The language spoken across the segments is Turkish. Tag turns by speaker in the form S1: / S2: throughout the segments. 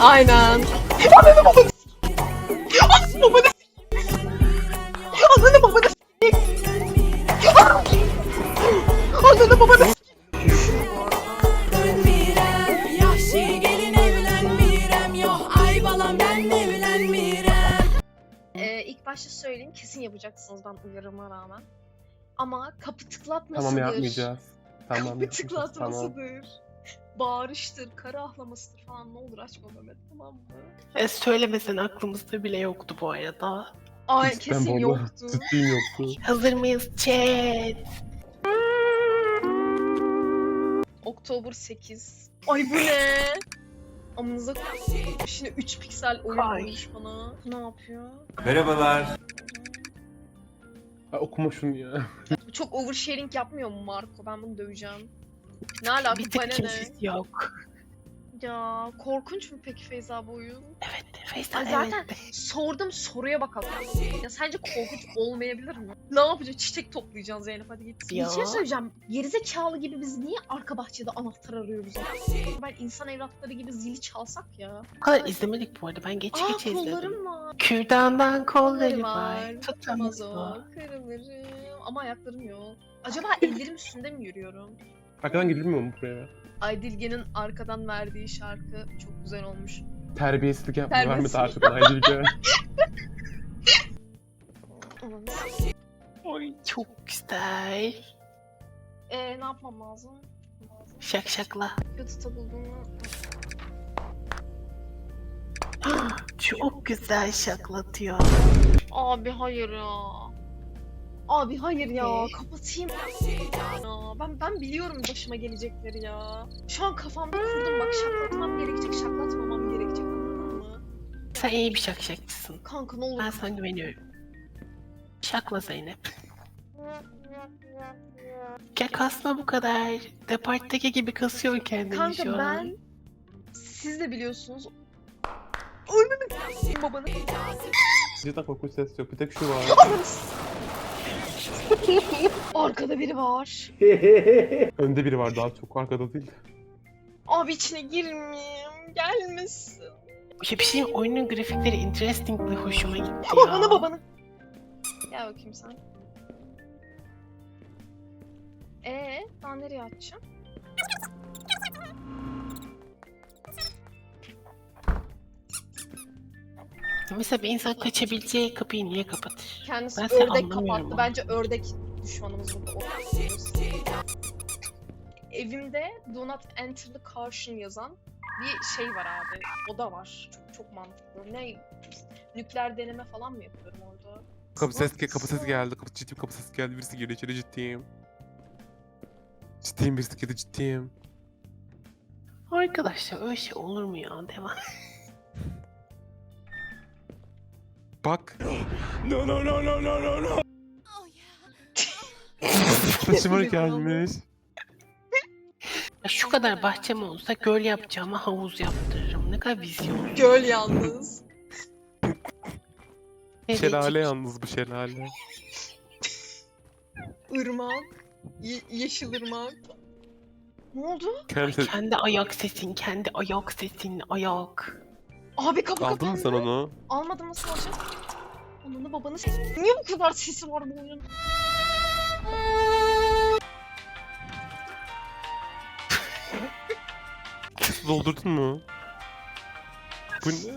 S1: Aynen. Ananı babanı babanı ananı babanı ananı babanı
S2: Yahşi gelin evlenmirem. Yok ay balam ben evlenmirem.
S1: İlk başta söyleyeyim, kesin yapacaksınız ben uyarıma rağmen. Ama kapı tıklatmasıdır.
S3: Tamam yapmayacağız. Tamam
S1: Kapı
S3: yapmayacağız. Tamam.
S1: tıklatmasıdır. Bağırıştır, kara ahlamasıdır falan, ne olur açma Mehmet, tamam mı?
S4: Söylemesen aklımızda bile yoktu bu arada.
S1: Ay
S3: Cidden
S1: kesin
S3: vallahi
S1: yoktu.
S3: Ciddiyim yoktu.
S4: Hazır mıyız chat?
S1: Oktober 8. Ay bu ne? Amınıza koyayım. Şimdi 3 piksel oyun
S4: Ay.
S1: koymuş bana. Ne yapıyor?
S5: Merhabalar.
S3: Ha, okuma şunu ya.
S1: Bu çok oversharing yapmıyor mu Marco? Ben bunu döveceğim. Ne alaka,
S4: Bir
S1: bu
S4: tık
S1: bana ne?
S4: kimsesi yok.
S1: Ya korkunç mu peki Feyza bu oyun?
S4: Evet Faysal
S1: Ay zaten
S4: evet.
S1: sordum, soruya bakalım. Ya sence korkunç olmayabilir mi? Ne yapacağız? Çiçek toplayacaksın Zeynep, hadi git.
S4: Ya.
S1: Bir şey söyleyeceğim. Gerizekalı gibi biz niye arka bahçede anahtar arıyoruz? Ben insan evlatları gibi zili çalsak ya.
S4: Bu kadar izlemedik bu arada. Ben geç
S1: Aa
S4: geç izledim.
S1: kollarım var.
S4: Kürdandan kolları
S1: var.
S4: var.
S1: Tutamaz
S4: Tutamaz
S1: o.
S4: o.
S1: Kırılırım. Ama ayaklarım yok. Acaba ellerim üstünde mi yürüyorum?
S3: Arkadan gidilmiyor mu buraya?
S1: Aydilge'nin arkadan verdiği şarkı çok güzel olmuş.
S3: Terbiyesizlik yapma.
S1: Terbiyesiz.
S3: Vermedi arkadan Aydilge.
S4: Ay çok güzel.
S1: Ne yapmam lazım?
S4: Şak şakla.
S1: YouTube'da bulduğumu...
S4: Çok güzel şaklatıyor.
S1: Abi hayır ya. Abi hayır ya.
S4: Ne?
S1: Kapatayım. Ya, ben biliyorum başıma gelecekleri ya. Şu an kafamda kurdum, bak şaklatmam gerekecek, şaklatmamam gerekecek, anladın mı?
S4: Sen iyi bir şakşakçısın.
S1: Kanka ne olur.
S4: Ben sana güveniyorum. Şakla Zeynep. Ya kasma bu kadar. Departtaki gibi kasıyor kendini
S1: Kanka
S4: şu an.
S1: ben... Siz de biliyorsunuz. Oynanın babanı.
S3: Cidden korkunç ses yok. Bir tek şu var.
S1: Arkada biri var.
S3: Önde biri var, daha çok arkada değil.
S1: Abi içine girmeyeyim. Gelmesin.
S4: Ya bir şey oyunun grafikleri interestingly hoşuma gitti ya.
S1: Babanı babanı. Gel bakayım sen. Ben nereye atacağım?
S4: Mesela bir insan kaçabileceği kapıyı niye kapatır?
S1: Kendisi
S4: Ben seni
S1: ördek
S4: anlamıyorum
S1: kapattı.
S4: ama.
S1: Bence ördek düşmanımız burada. Evimde Do Not Enter the Caution yazan bir şey var abi. O da var. Çok çok mantıklı. Ne? Nükleer deneme falan mı yapıyorum orada?
S3: Kapı ses geldi. Ciddiyim, kapı sesi geldi. Birisi geliyor içeri, ciddiyim. Ciddiyim, birisi girdi, ciddiyim.
S4: Arkadaşlar öyle şey olur mu ya? Devam.
S3: Bak. No no no no no no no. Taşıma gelmiş.
S4: Ya şu kadar bahçem olsa göl yapacağıma havuz yaptırırım. Ne kadar vizyon.
S1: Göl yalnız.
S4: Evet.
S3: Şelale yalnız, bu şelale.
S1: Irmak. Yeşil ırmak. Ne oldu?
S3: Kendisi...
S4: Kendi ayak sesin, kendi ayak sesin, ayak.
S1: Abi kapı
S3: Aldın mı sen
S1: kapandı.
S3: onu?
S1: Almadım, nasıl alacağım? Ananı babanı niye bu kadar sesi var bu oyunun?
S3: Su doldurdun mu? Bu ne?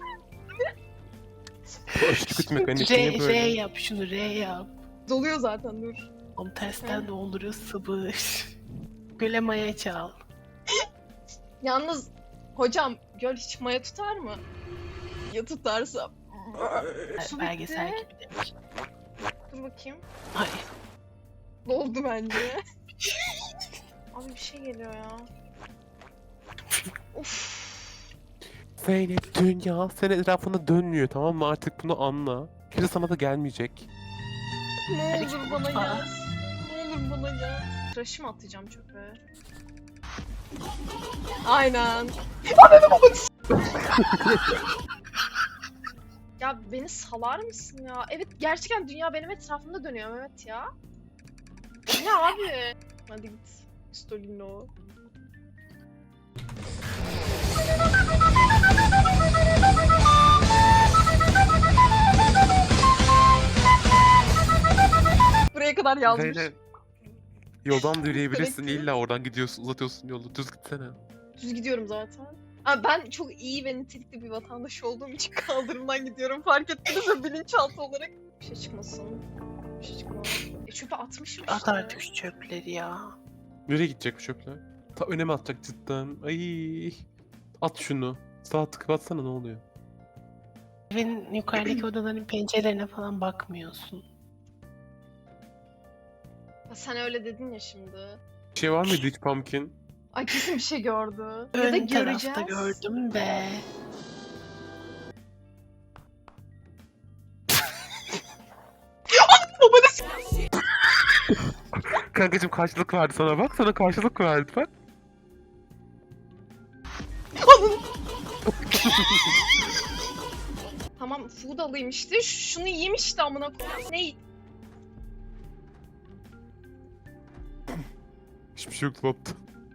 S3: Bu aşırı kötü mekanik. Niye
S4: R
S3: böyle?
S4: yap şunu, R yap.
S1: Doluyor zaten, dur.
S4: Onu tersten dolduruyor sabır. Göle maya çal.
S1: Yalnız hocam, göl hiç maya tutar mı? Ya tutarsa? Su
S4: Belgesel
S1: bitti.
S4: gibi demiş.
S1: Dur bakayım.
S4: Ay.
S1: Doldu bence. Abi bir şey geliyor ya. Of.
S3: Zeynep, dünya senin etrafında dönmüyor, tamam mı? Artık bunu anla. Kimse sana da gelmeyecek.
S1: Ne
S4: Hadi
S1: olur
S4: git
S1: bana
S4: mutfağa.
S1: gel. Ne olur bana gel. Tıraşı mı atacağım çöpe? Aynen. Ya beni salar mısın ya? Evet, gerçekten dünya benim etrafımda dönüyor Mehmet ya. Ne abi? Hadi git. Stolino. Buraya kadar yazmış.
S3: Zeynep. Yoldan da yürüyebilirsin.
S1: Sürekli.
S3: İlla oradan gidiyorsun, uzatıyorsun yolu. Düz gitsene.
S1: Düz gidiyorum zaten. Ama ben çok iyi ve nitelikli bir vatandaş olduğum için kaldırımdan gidiyorum. Fark ettiniz mi bilinçaltı olarak? Bir şey çıkmasın. Bir şey çıkmaz. Çöpe atmışım
S4: At
S1: işte.
S4: artık şu çöpleri ya.
S3: Nereye gidecek bu çöpler? Ta öne mi atacak cidden? Ay. At şunu. Sağ tıkıp atsana ne oluyor?
S4: Evin yukarıdaki odaların pencerelerine falan bakmıyorsun.
S1: Ha, sen öyle dedin ya şimdi.
S3: Bir şey var mıydı hiç pumpkin?
S1: Ay kesin bir şey gördü. Ya da
S4: Ön
S1: göreceğiz.
S4: tarafta gördüm de.
S3: Kankacım karşılık verdi sana bak. Sana karşılık verdi bak.
S1: Tamam food alayım işte. Şunu yiyeyim işte amına koyayım. Ne?
S3: Hiçbir şey yok dolapta.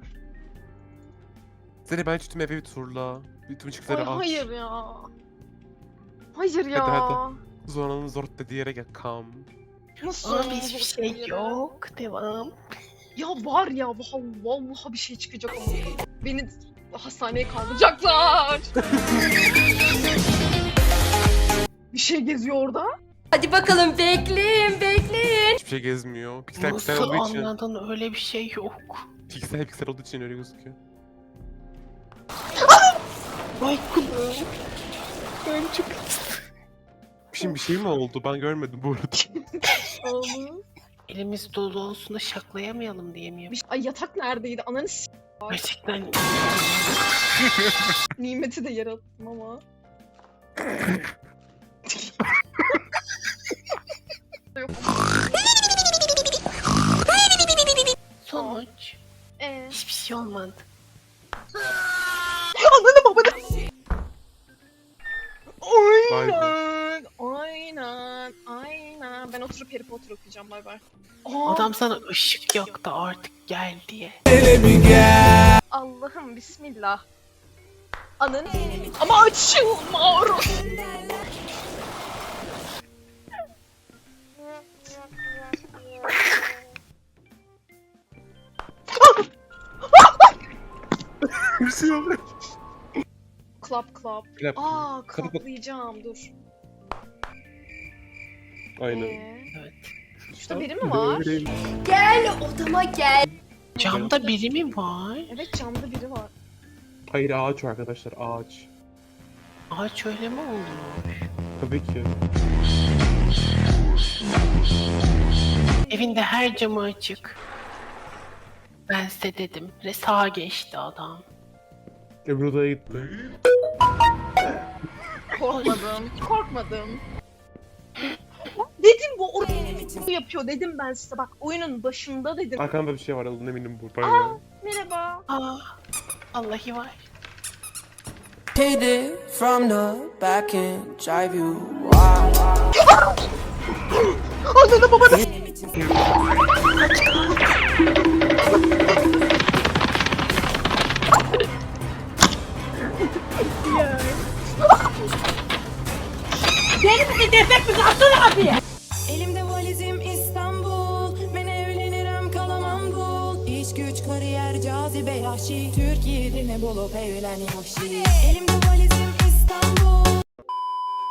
S3: Seni ben tüm evi bir turla. Bütün ışıkları
S1: Ay,
S3: aç.
S1: hayır ya. Hayır ya.
S3: hadi. Zonanın zor dediği yere gel. Come.
S1: Nasıl?
S4: Ama
S1: oldu
S4: hiçbir
S1: bu
S4: şey
S1: yere?
S4: yok. Devam.
S1: Ya var ya vallahi bir şey çıkacak ama. Beni hastaneye kaldıracaklar. Bir şey geziyor orada.
S2: Hadi bakalım bekleyin bekleyin.
S3: Hiçbir şey gezmiyor. Piksel piksel
S4: Nasıl
S3: olduğu için.
S4: anladın, öyle bir şey yok.
S3: Piksel piksel olduğu için öyle gözüküyor.
S4: Ay kulağım. Ben çok...
S3: Şimdi bir şey mi oldu? Ben görmedim bu arada.
S1: Oğlum.
S4: Elimiz dolu olsun da şaklayamayalım diye mi?
S1: Ay yatak neredeydi? Ananı
S4: Gerçekten
S1: nimeti de yarattım ama. Yok.
S4: sonuç. Hiçbir şey olmadı.
S1: Ananı babanı.
S3: Vay be.
S1: Aynen. Aynen. Ben oturup Harry Potter okuyacağım. Bay bay. Aa,
S4: Adam sana ışık yaktı artık gel diye.
S1: Allah'ım bismillah. Ananı. Ama açılmıyor.
S3: Bir şey yok.
S1: Clap.
S3: Clap.
S1: Aa,
S3: Kapı-
S1: kaplayacağım dur.
S3: Aynen.
S4: Evet.
S1: Şurada biri mi var?
S2: Gel odama gel.
S4: Camda biri mi var?
S1: Evet camda biri var.
S3: Hayır ağaç var arkadaşlar ağaç.
S4: Ağaç öyle mi oldu?
S3: Tabii ki.
S4: Evinde her camı açık. Ben size dedim. Sağa geçti adam.
S3: Öbür odaya gitti.
S1: Korkmadım. Dedim bu o yapıyor dedim ben size bak oyunun başında dedim.
S3: Arkamda bir şey var alın eminim bu. Pardon.
S1: Merhaba.
S4: Aa, Vallahi var.
S5: Hit it from the back and drive you wild.
S1: Ananı babanı.
S2: Elimde valizim İstanbul. Ben evlenirim kalamam bul. İş güç kariyer cazibe yahşi. Türkiye'de ne bulup evlen yahşi. Elimde